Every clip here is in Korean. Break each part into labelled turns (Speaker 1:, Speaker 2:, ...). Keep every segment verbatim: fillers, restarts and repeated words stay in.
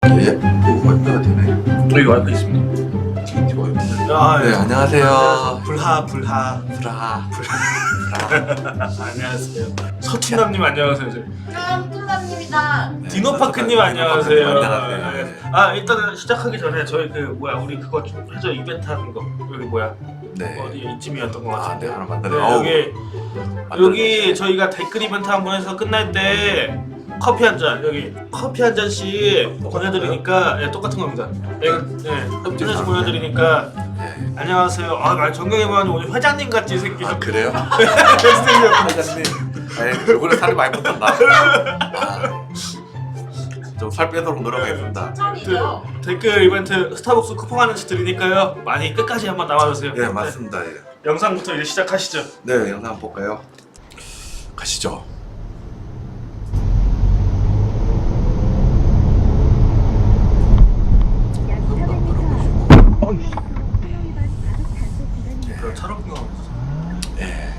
Speaker 1: 예, 그 와이프가 되네.
Speaker 2: 저희 와이프 있습니다.
Speaker 1: 아, 네, 안녕하세요.
Speaker 2: 불하 불하
Speaker 1: 브라.
Speaker 2: 안녕하세요. 서춘남님 안녕하세요.
Speaker 3: 아, 꿀밤님이다.
Speaker 2: 디노파크님 안녕하세요.
Speaker 1: 안녕하세요. 네.
Speaker 2: 아 일단은 시작하기 전에 저희 그 뭐야 우리 그거 좀 해줘 이벤트 하는 거 여기 뭐야
Speaker 1: 네.
Speaker 2: 어디 이쯤이었던 것
Speaker 1: 아,
Speaker 2: 같은데.
Speaker 1: 네, 하나
Speaker 2: 네,
Speaker 1: 만들어.
Speaker 2: 여기 여기 저희가 댓글 이벤트 한 번 해서 끝날 때 커피 한 잔 여기 커피 한 잔씩 보내드리니까 네, 똑같은 겁니다. 네, 네, 한 잔씩 보내드리니까
Speaker 1: 네.
Speaker 2: 안녕하세요. 아 정경이만 오늘 회장님 같이 생기셨.
Speaker 1: 아, 그래요?
Speaker 2: 네.
Speaker 1: 회장님. 네, 얼굴에 살이 많이 붙었나? 아, 좀 살 빼도록 노력하겠습니다.
Speaker 3: 천이죠.
Speaker 2: 댓글 이벤트 스타벅스 쿠폰 하나씩 드리니까요. 많이 끝까지 한번 나와주세요.
Speaker 1: 네, 맞습니다. 예.
Speaker 2: 네, 영상부터 이제 시작하시죠.
Speaker 1: 네, 영상 한번 볼까요? 가시죠.
Speaker 2: 그럼 차로구경
Speaker 1: 예.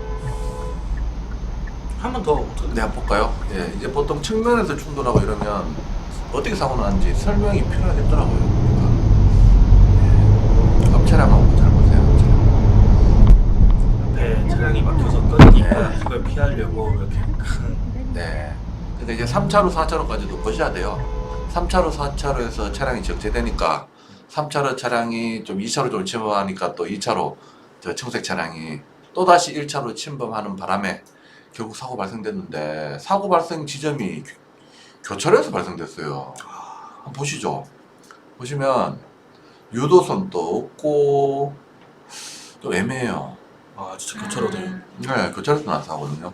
Speaker 2: 한번 더.
Speaker 1: 네, 한번 볼까요? 예, 이제 보통 측면에서 충돌하고 이러면 어떻게 사고 나는지 설명이 필요하겠더라고요. 그러니까 예. 앞 차량하고 잘 보세요. 앞 차량.
Speaker 2: 앞에 차량이 막혀서 끊기고
Speaker 1: 네.
Speaker 2: 그걸 피하려고 이렇게 큰.
Speaker 1: 네. 근데 이제 삼 차로, 사 차로까지도 보셔야 돼요. 삼 차로, 사 차로에서 차량이 적재되니까 삼 차로 차량이 좀 이 차로 좀 침범하니까 또 이 차로 저 청색 차량이 또다시 일 차로 침범하는 바람에 결국 사고 발생됐는데 사고 발생 지점이 교- 교차로에서 발생됐어요. 한번 보시죠. 보시면 유도선도 없고 좀 애매해요.
Speaker 2: 아 진짜 교차로 돼.
Speaker 1: 네, 교차로에서 난 사고거든요.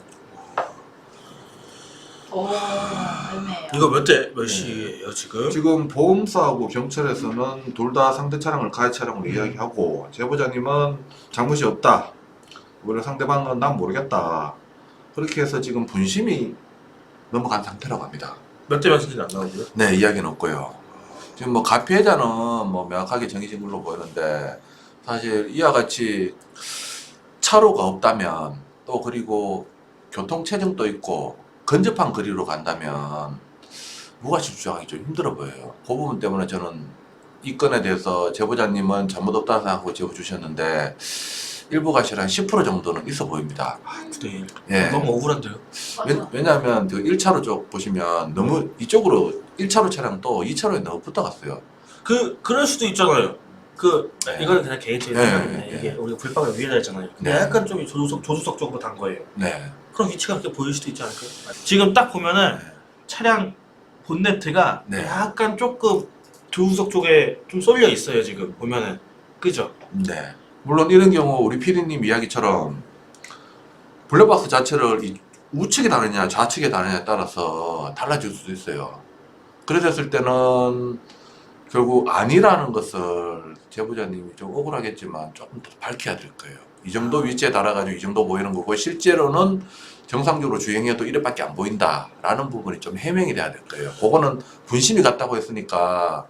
Speaker 3: 오, 애매해요.
Speaker 2: 이거 몇 대 몇 시예요 지금?
Speaker 1: 지금 보험사하고 경찰에서는 둘 다 상대 차량을 가해 차량으로 이야기하고 제보자님은 잘못이 없다. 오히려 상대방은 난 모르겠다. 그렇게 해서 지금 분심이 넘어간 상태라고 합니다.
Speaker 2: 몇 대 몇인지는 안 나오고요.
Speaker 1: 네, 이야기는 없고요. 지금 뭐 가피해자는 뭐 명확하게 정해진 걸로 보이는데 사실 이와 같이 차로가 없다면 또 그리고 교통체증도 있고 근접한 거리로 간다면 무과실 주장하기 좀 힘들어 보여요. 그 부분 때문에 저는 이 건에 대해서 제보자님은 잘못 없다고 생각하고 제보 주셨는데 일부 과실 한 십 퍼센트 정도는 있어 보입니다.
Speaker 2: 아 구 대 일.
Speaker 1: 예.
Speaker 2: 너무 억울한데요.
Speaker 1: 왜,
Speaker 3: 맞아.
Speaker 1: 왜냐하면 그 일 차로 쪽 보시면 너무 이쪽으로 일 차로 차량도 이 차로에 너무 붙어갔어요.
Speaker 2: 그 그럴 수도 있잖아요. 그
Speaker 1: 네.
Speaker 2: 이거는 그냥 개인적인
Speaker 1: 네,
Speaker 2: 생각인데
Speaker 1: 네,
Speaker 2: 이게
Speaker 1: 네.
Speaker 2: 우리가 불박을 위에다 했잖아요. 근데
Speaker 1: 네.
Speaker 2: 약간 좀 조수석 조수석 쪽으로 단 거예요.
Speaker 1: 네.
Speaker 2: 그럼 위치가 그렇게 보일 수도 있지 않을까요? 지금 딱 보면은 차량 본네트가
Speaker 1: 네.
Speaker 2: 약간 조금 조수석 쪽에 좀 쏠려 있어요 지금 보면은. 그죠?
Speaker 1: 네. 물론 이런 경우 우리 피디님 이야기처럼 블랙박스 자체를 이 우측에 다느냐 좌측에 다느냐에 따라서 달라질 수도 있어요. 그랬을 때는 결국 아니라는 것을 제보자님이 좀 억울하겠지만 조금 더 밝혀야 될 거예요. 이 정도 위치에 달아가지고 이 정도 보이는 거고 실제로는 정상적으로 주행해도 이래밖에 안 보인다라는 부분이 좀 해명이 돼야 될 거예요. 그거는 분심이 같다고 했으니까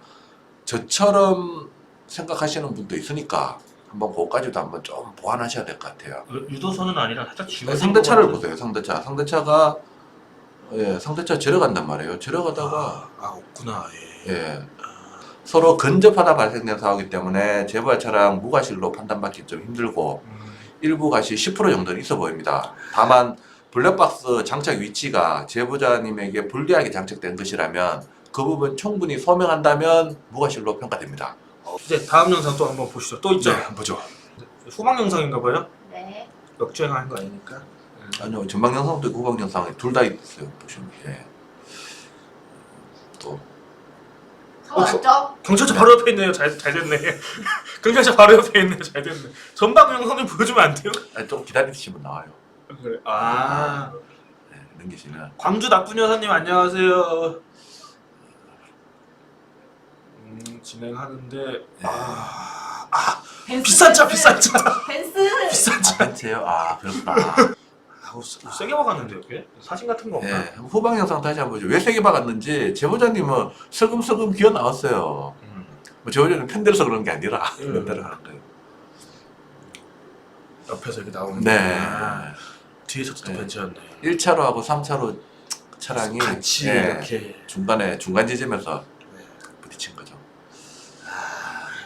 Speaker 1: 저처럼 생각하시는 분도 있으니까 한번 그거까지도 한번 좀 보완하셔야 될 것 같아요.
Speaker 2: 유도선은 아니라 살짝 지금
Speaker 1: 네, 상대차를 보세요. 상대차. 상대차가 예, 상대차 지나간단 말이에요. 지나가다가
Speaker 2: 아, 아 없구나. 예.
Speaker 1: 예, 서로 근접하다 발생된 사고이기 때문에 제보자 차량 무과실로 판단받기 좀 힘들고
Speaker 2: 음,
Speaker 1: 일부 과실 십 퍼센트 정도는 있어 보입니다. 다만 블랙박스 장착 위치가 제보자님에게 불리하게 장착된 것이라면 그 부분 충분히 소명한다면 무과실로 평가됩니다.
Speaker 2: 어, 이제 다음 영상 또 한번 보시죠. 또 있죠?
Speaker 1: 한번 보죠.
Speaker 2: 후방 영상인가 봐요?
Speaker 3: 네.
Speaker 2: 역주행하는 거 아니니까.
Speaker 1: 아니요, 전방 영상도 있고 후방 영상에 둘 다 있어요. 보시면 예. 또
Speaker 3: 서 왔죠?
Speaker 2: 경찰차 바로 옆에 있네요. 잘, 잘 됐네. 경찰차 바로 옆에 있네요. 잘 됐네. 전방 영상 좀 보여주면 안 돼요?
Speaker 1: 아니, 좀 기다리시면 나와요.
Speaker 2: 그래. 아.
Speaker 1: 네, 넘기시면.
Speaker 2: 광주 나쁜 여사님 안녕하세요. 음, 진행하는데 아, 아
Speaker 3: 벤츠,
Speaker 2: 비싼 차
Speaker 3: 벤츠.
Speaker 2: 비싼 차
Speaker 3: 벤츠.
Speaker 2: 비싼
Speaker 1: 아,
Speaker 2: 차.
Speaker 1: 벤츠요? 아, 그렇구나.
Speaker 2: 아우 세- 세게 박았는데 이게 사진 같은 거 없나?
Speaker 1: 예, 후방 영상 다시 한번 보죠. 왜 세게 박았는지 제보자님은 슬금슬금 기어 나왔어요.
Speaker 2: 음.
Speaker 1: 뭐 제보자님 편들어서 그런 게 아니라
Speaker 2: 음.
Speaker 1: 편대로 하는 거예요.
Speaker 2: 옆에서 이렇게 나오는.
Speaker 1: 네.
Speaker 2: 아, 뒤에서도 또
Speaker 1: 네.
Speaker 2: 벤츠였네.
Speaker 1: 일 차로하고 삼 차로 차량이
Speaker 2: 같이
Speaker 1: 예,
Speaker 2: 이렇게.
Speaker 1: 중간에 중간 지점에서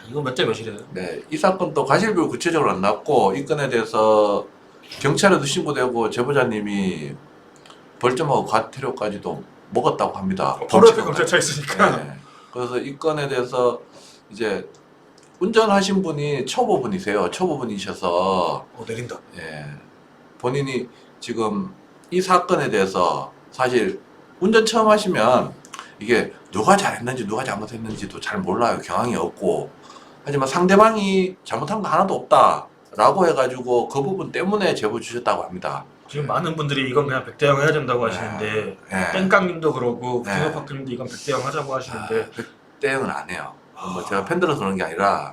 Speaker 2: 이거 몇 대 몇이래요?
Speaker 1: 네, 이 사건 또 과실비율 구체적으로 안 나왔고 이 건에 대해서 경찰에도 신고되고 제보자님이 벌점하고 과태료까지도 먹었다고 합니다.
Speaker 2: 바로 옆에
Speaker 1: 범칙은
Speaker 2: 검찰차 있으니까.
Speaker 1: 네. 그래서 이 건에 대해서 이제 운전하신 분이 초보분이세요. 초보분이셔서
Speaker 2: 어 내린다.
Speaker 1: 예, 본인이 지금 이 사건에 대해서 사실 운전 처음 하시면 이게 누가 잘했는지 누가 잘못했는지도 잘 몰라요. 경황이 없고. 하지만 상대방이 잘못한 거 하나도 없다라고 해가지고 그 부분 때문에 제보 주셨다고 합니다.
Speaker 2: 지금 많은 분들이 이건 그냥 백대영 해야 된다고 하시는데
Speaker 1: 예.
Speaker 2: 땡깡님도 그러고
Speaker 1: 네.
Speaker 2: 김호박님도 이건 백대영 하자고 하시는데
Speaker 1: 대응은 안 해요. 뭐 제가 팬들어서 그런 게 아니라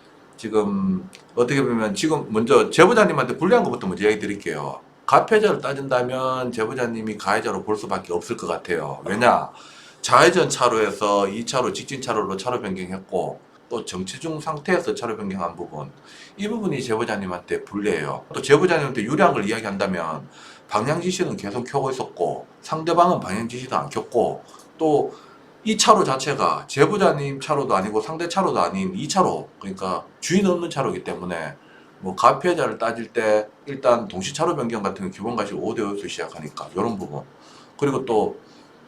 Speaker 1: 지금 어떻게 보면 지금 먼저 제보자님한테 불리한 것부터 먼저 이야기 드릴게요. 가해자를 따진다면 제보자님이 가해자로 볼 수밖에 없을 것 같아요. 왜냐? 좌회전 차로에서 이 차로 직진 차로로 차로 변경했고 또 정체 중 상태에서 차로 변경한 부분 이 부분이 제보자님한테 불리해요. 또 제보자님한테 유리한 걸 이야기한다면 방향 지시는 계속 켜고 있었고 상대방은 방향 지시도 안 켰고 또 이 차로 자체가 제보자님 차로도 아니고 상대 차로도 아닌 이 차로 그러니까 주인 없는 차로이기 때문에 뭐 가피해자를 따질 때 일단 동시 차로 변경 같은 건 기본 가시 오 대 오에서 시작하니까 이런 부분 그리고 또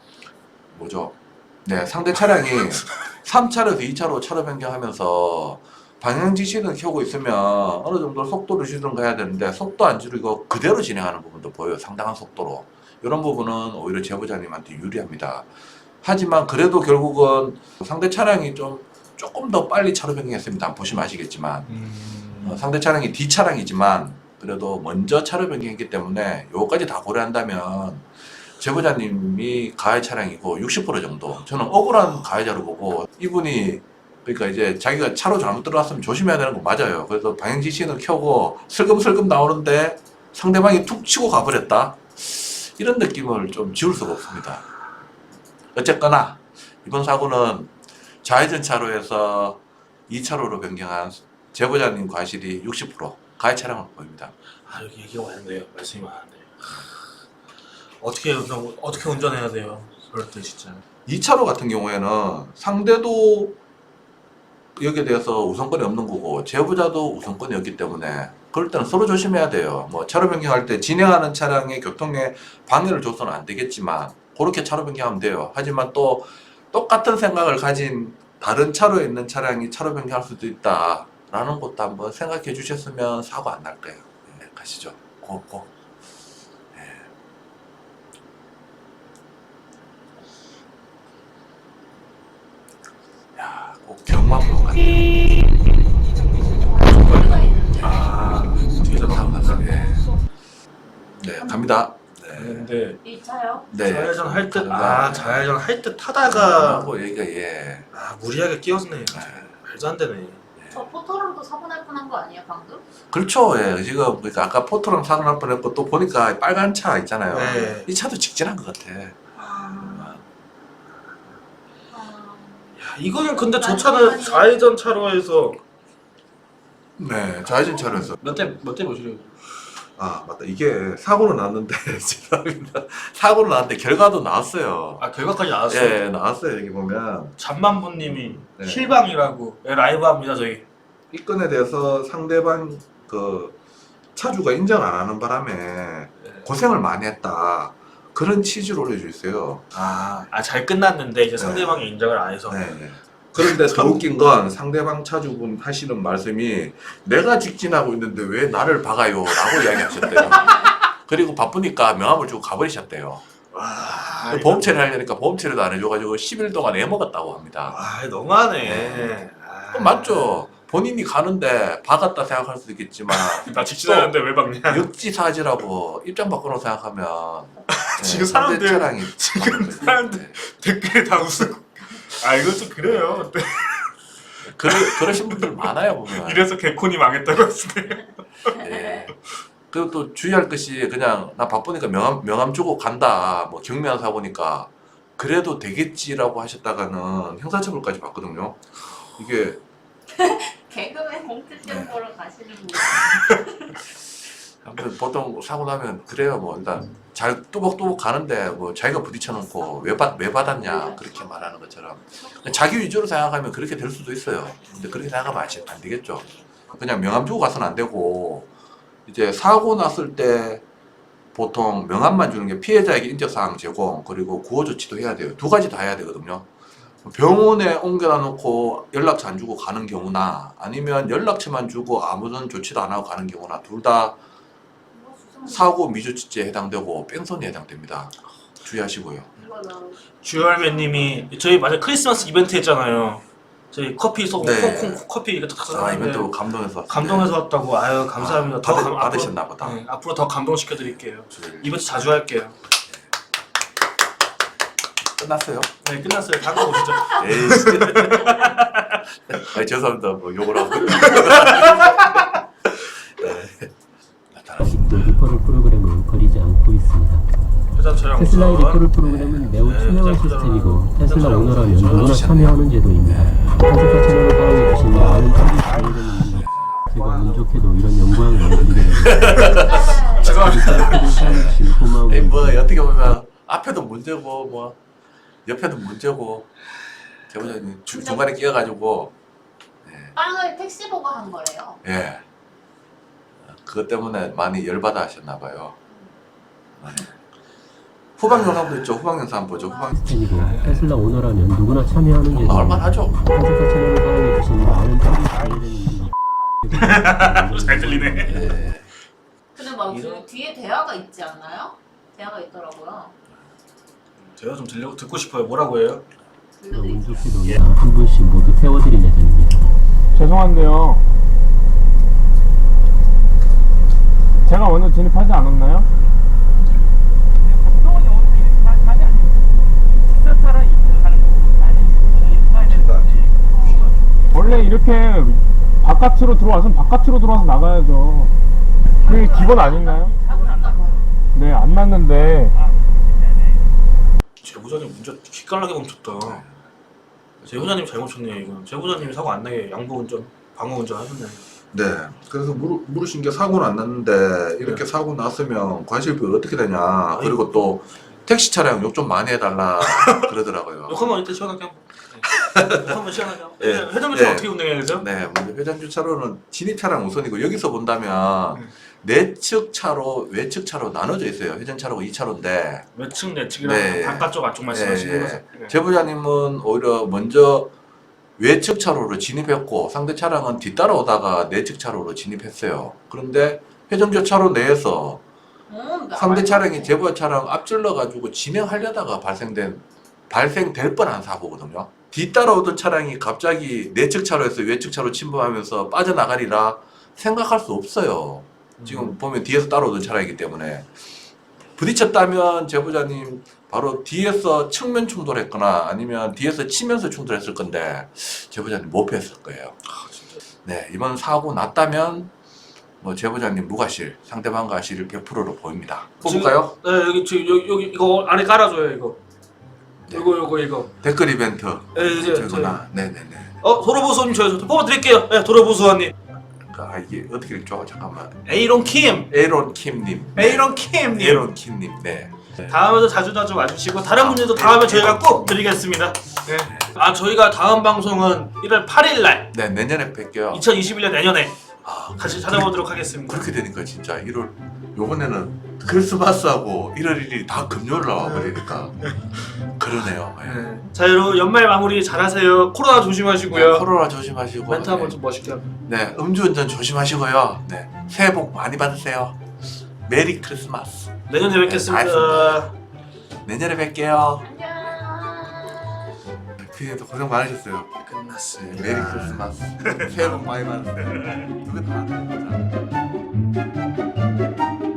Speaker 1: 뭐죠? 네 상대 차량이 삼 차로에서 이 차로 차로 변경하면서 방향 지시는 켜고 있으면 어느 정도 속도를 줄이든가 해야 되는데 속도 안 줄이고 그대로 진행하는 부분도 보여요. 상당한 속도로. 이런 부분은 오히려 제보자님한테 유리합니다. 하지만 그래도 결국은 상대 차량이 좀 조금 더 빨리 차로 변경했습니다. 보시면 아시겠지만
Speaker 2: 음...
Speaker 1: 어, 상대 차량이 D 차량이지만 그래도 먼저 차로 변경했기 때문에 요거까지 다 고려한다면 제보자님이 가해 차량이고 육십 퍼센트 정도 저는 억울한 가해자로 보고 이분이 그러니까 이제 자기가 차로 잘못 들어왔으면 조심해야 되는 거 맞아요. 그래서 방향 지시는 켜고 슬금슬금 나오는데 상대방이 툭 치고 가버렸다. 이런 느낌을 좀 지울 수가 없습니다. 어쨌거나 이번 사고는 좌회전 차로에서 이 차로로 변경한 제보자님 과실이 육십 퍼센트 가해 차량으로 보입니다.
Speaker 2: 아 여기 얘기가 많은데요. 말씀이 많은데 어떻게 운전 어떻게 운전해야 돼요? 그럴 때 진짜.
Speaker 1: 이 차로 같은 경우에는 상대도 여기에 대해서 우선권이 없는 거고 제보자도 우선권이 없기 때문에 그럴 때는 서로 조심해야 돼요. 뭐 차로 변경할 때 진행하는 차량의 교통에 방해를 줘서는 안 되겠지만 그렇게 차로 변경하면 돼요. 하지만 또 똑같은 생각을 가진 다른 차로에 있는 차량이 차로 변경할 수도 있다라는 것도 한번 생각해 주셨으면 사고 안 날 거예요. 네, 가시죠. 고, 고. 네. 야, 꼭 경마보러 갔네요.
Speaker 2: 아 뒤에서
Speaker 1: 다음
Speaker 2: 나온다.
Speaker 1: 가서, 예. 네, 갑니다. 네.
Speaker 2: 근데
Speaker 3: 이 차요?
Speaker 1: 네.
Speaker 2: 좌회전 할 듯,
Speaker 1: 가다가
Speaker 2: 아 좌회전 할 듯 하다가
Speaker 1: 하고 얘기가 예.
Speaker 2: 아 무리하게 끼었네.
Speaker 1: 네.
Speaker 2: 말도 안 되네.
Speaker 3: 저 포토로도 사고 날 뻔한 거 아니에요 방금?
Speaker 1: 그렇죠. 예. 지금 그러니까 아까 포토랑 사고 날 뻔했고 또 보니까 빨간 차 있잖아요.
Speaker 2: 네.
Speaker 1: 이 차도 직진한 것 같아.
Speaker 3: 아... 아...
Speaker 2: 야, 이거는 근데 저 차는 좌회전 차로에서
Speaker 1: 네, 좌회전 차로에서.
Speaker 2: 몇대몇대 몇이래요?
Speaker 1: 아 맞다. 이게 사고는 났는데 죄송합니다. 사고는 났는데 결과도 나왔어요.
Speaker 2: 아 결과까지 나왔어요.
Speaker 1: 예, 나왔어요. 여기 보면
Speaker 2: 잠만보님이
Speaker 1: 네.
Speaker 2: 실방이라고 예, 라이브 합니다 저희.
Speaker 1: 이 건에 대해서 상대방 그 차주가 인정 안 하는 바람에 고생을 많이 했다. 그런 취지로 올려져 있어요.
Speaker 2: 아잘 끝났는데 이제 상대방이 인정을 안 해서.
Speaker 1: 네. 그런데 더 웃긴 건 상대방 차주분 하시는 말씀이 내가 직진하고 있는데 왜 나를 박아요? 라고 이야기하셨대요. 그리고 바쁘니까 명함을 주고 가버리셨대요.
Speaker 2: 와,
Speaker 1: 보험 처리 하려니까 보험 처리도 안 해줘가지고 십 일 동안 애먹었다고 합니다.
Speaker 2: 아 너무하네.
Speaker 1: 네.
Speaker 2: 아,
Speaker 1: 그럼 맞죠? 본인이 가는데 박았다 생각할 수도 있겠지만
Speaker 2: 나 직진하는데 왜 박냐?
Speaker 1: 역지사지라고 입장 바꿔놓고 생각하면
Speaker 2: 지금
Speaker 1: 상대
Speaker 2: 사람들-
Speaker 1: 차량이
Speaker 2: 지금
Speaker 1: 박은 거죠.
Speaker 2: 사람들-
Speaker 1: 네.
Speaker 2: 댓글에 다 웃고. 아 이거 좀 그래요.
Speaker 1: 그러, 그러신 분들 많아요 보면.
Speaker 2: 이래서 개콘이 망했다고 하시네요.
Speaker 1: 예. 그리고 또 주의할 것이 그냥 나 바쁘니까 명함, 명함 주고 간다. 뭐 경미한 사고니까 그래도 되겠지라고 하셨다가는 형사처벌까지 받거든요. 이게
Speaker 3: 개그맨 공채 시험 보러 가시는 분.
Speaker 1: 아무튼 보통 사고 나면 그래요. 뭐 일단 잘 뚜벅뚜벅 가는데 뭐 자기가 부딪혀놓고 왜, 받, 왜 받았냐 그렇게 말하는 것처럼 자기 위주로 생각하면 그렇게 될 수도 있어요. 근데 그렇게 생각하면 안 되겠죠. 그냥 명함 주고 가서는 안 되고 이제 사고 났을 때 보통 명함만 주는 게 피해자에게 인적사항 제공 그리고 구호조치도 해야 돼요. 두 가지 다 해야 되거든요. 병원에 옮겨다 놓고 연락처 안 주고 가는 경우나 아니면 연락처만 주고 아무런 조치도 안 하고 가는 경우나 둘 다 사고 미조치죄에 해당되고 뺑소니에 해당됩니다. 주의하시고요.
Speaker 2: 주열매님이 저희 맞아 크리스마스 이벤트 했잖아요. 저희 커피 쏘고
Speaker 1: 네.
Speaker 2: 콩콩 커피 이거 탁
Speaker 1: 아,
Speaker 2: 하는데
Speaker 1: 이벤트 감동해서
Speaker 2: 감동해서 왔다고. 아유 감사합니다.
Speaker 1: 아,
Speaker 2: 더
Speaker 1: 받으,
Speaker 2: 감-
Speaker 1: 받으셨나
Speaker 2: 앞으로,
Speaker 1: 보다.
Speaker 2: 네, 앞으로 더 감동시켜 드릴게요.
Speaker 1: 주의를.
Speaker 2: 이벤트 자주 할게요.
Speaker 1: 끝났어요?
Speaker 2: 네 끝났어요. 다음 거 보시죠.
Speaker 1: 에이. 아니, 죄송합니다. 뭐 욕을 하고. 네.
Speaker 4: 아직도 리퍼럴 프로그램을 버리지 않고 있습니다.
Speaker 2: 회사 촬영
Speaker 4: 테슬라의
Speaker 2: 우선.
Speaker 4: 리퍼럴 프로그램은 매우
Speaker 2: 네,
Speaker 4: 투명한
Speaker 2: 회사
Speaker 4: 시스템이고
Speaker 2: 촬영
Speaker 4: 테슬라
Speaker 2: 우선.
Speaker 4: 오너라면
Speaker 2: 저는
Speaker 4: 누구나
Speaker 1: 주셨네요.
Speaker 4: 참여하는 제도입니다. 한국화 채널을 사용해주신 많은 분들이 기회되는데 제가 운 좋게도 이런 영광을 드리게 됩니다. 사용해주신 고마운
Speaker 1: 에이, 뭐 어떻게 보면 앞에도 문제고 뭐 옆에도 문제고 제보자님 주- 중간에 끼어가지고
Speaker 3: 빵을 택시 보고 한 거래요.
Speaker 1: 예 그것 때문에 많이 열받아 하셨나봐요. 후방 영상도 있죠. 후방 영상 한번 보죠. 후방
Speaker 4: 시스템이고 테슬라 오너라면 누구나 참여하는 제도입니다.
Speaker 1: 나올만 하죠.
Speaker 4: 한국화 채널을 사용해주신 많은 분들이 기회되는데
Speaker 2: 잘 들리네.
Speaker 1: 예.
Speaker 3: 근데 막
Speaker 2: 이런-
Speaker 3: 그 뒤에 대화가 있지 않나요? 대화가 있더라고요.
Speaker 2: 제가 좀 들려 듣고 싶어요. 뭐라고 해요?
Speaker 4: 운 좋게도 한 분씩 모두 태워드린 예정입니다.
Speaker 5: 죄송한데요. 제가 먼저 진입하지 않았나요? 원래 이렇게 바깥으로 들어와서 바깥으로 들어와서 나가야죠. 그게 기본 아닌가요? 네, 안 났는데.
Speaker 2: 제보자님 문제 기깔나게 멈췄다. 제보자님 잘못 쳤네요 이건. 제보자님이 사고 안 나게 양보 운전, 방어 운전 하셨네.
Speaker 1: 네. 그래서 물으, 물으신 게 사고는 안 났는데 이렇게 사고 났으면 과실비 어떻게 되냐. 그리고 또 택시 차량 욕 좀 많이 해달라 그러더라고요.
Speaker 2: 욕 한번 이때 시원하게 한번. 네. 욕 한번 시원하게 한번.
Speaker 1: 예.
Speaker 2: 회전교차
Speaker 1: 예.
Speaker 2: 어떻게 운행해야 되죠?
Speaker 1: 네, 먼저 회전 주차로는 진입 차량 우선이고 여기서 본다면
Speaker 2: 음.
Speaker 1: 내측 차로, 외측 차로 나눠져 있어요. 회전 차로가 이 차로인데
Speaker 2: 외측 내측이랑
Speaker 1: 네.
Speaker 2: 바깥쪽 안쪽 말씀하시는
Speaker 1: 예,
Speaker 2: 거죠?
Speaker 1: 예.
Speaker 2: 네.
Speaker 1: 제보자님은 오히려 먼저 외측 차로로 진입했고 상대 차량은 뒤따라오다가 내측 차로로 진입했어요. 그런데 회전교 차로 내에서
Speaker 3: 음,
Speaker 1: 상대 차량이 제보자 차량 앞질러 가지고 진행하려다가 발생된 발생될 뻔한 사고거든요. 뒤따라오던 차량이 갑자기 내측 차로에서 외측 차로 침범하면서 빠져나가리라 생각할 수 없어요. 지금 보면 뒤에서 따라오던 차량이기 때문에 부딪혔다면 제보자님 바로 뒤에서 측면 충돌했거나 아니면 뒤에서 치면서 충돌했을 건데 제보자님 못 피했을 거예요. 네, 이번 사고 났다면 뭐 제보자님 무과실, 상대방 과실 백 퍼센트로 보입니다. 뽑을까요?
Speaker 2: 네 여기 저 여기, 여기 이거 안에 깔아줘요 이거.
Speaker 1: 네.
Speaker 2: 이거 이거 이거.
Speaker 1: 댓글 이벤트
Speaker 2: 네, 이제
Speaker 1: 되거나 네네네.
Speaker 2: 어 도로보수님 저희 뽑아드릴게요. 네 도로보수원님.
Speaker 1: 아 이게 어떻게 읽죠? 잠깐만.
Speaker 2: 에이론 킴.
Speaker 1: 에이론 킴님.
Speaker 2: 에이론 킴님.
Speaker 1: 에이론 킴님. 네.
Speaker 2: 다음에도 자주 자주 와주시고 다른 문제도 다음에 저희가 꼭 드리겠습니다. 네. 아 저희가 다음 방송은 일월 팔일 날
Speaker 1: 네 내년에 뵐게요.
Speaker 2: 이천이십일 년 내년에
Speaker 1: 아,
Speaker 2: 다시 찾아보도록 하겠습니다.
Speaker 1: 그렇게 되니까 진짜 일월 요번에는 크리스마스하고 일월 일일이 다 금요일 나와버리니까 그러네요. 예.
Speaker 2: 네. 자 여러분 연말 마무리 잘하세요. 코로나 조심하시고요.
Speaker 1: 네, 코로나 조심하시고
Speaker 2: 멘트 한번
Speaker 1: 네.
Speaker 2: 좀 멋있게 하고.
Speaker 1: 네 음주운전 조심하시고요. 네 새해 복 많이 받으세요. 메리 크리스마스.
Speaker 2: 내년에 뵙겠습니다.
Speaker 1: 네, 알겠습니다. 내년에 뵐게요.
Speaker 3: 안녕.
Speaker 1: 피디도 고생 많으셨어요.
Speaker 2: 끝났습니다.
Speaker 1: 메리 크리스마스. 새해 복 많이 받으세요. 두개 다.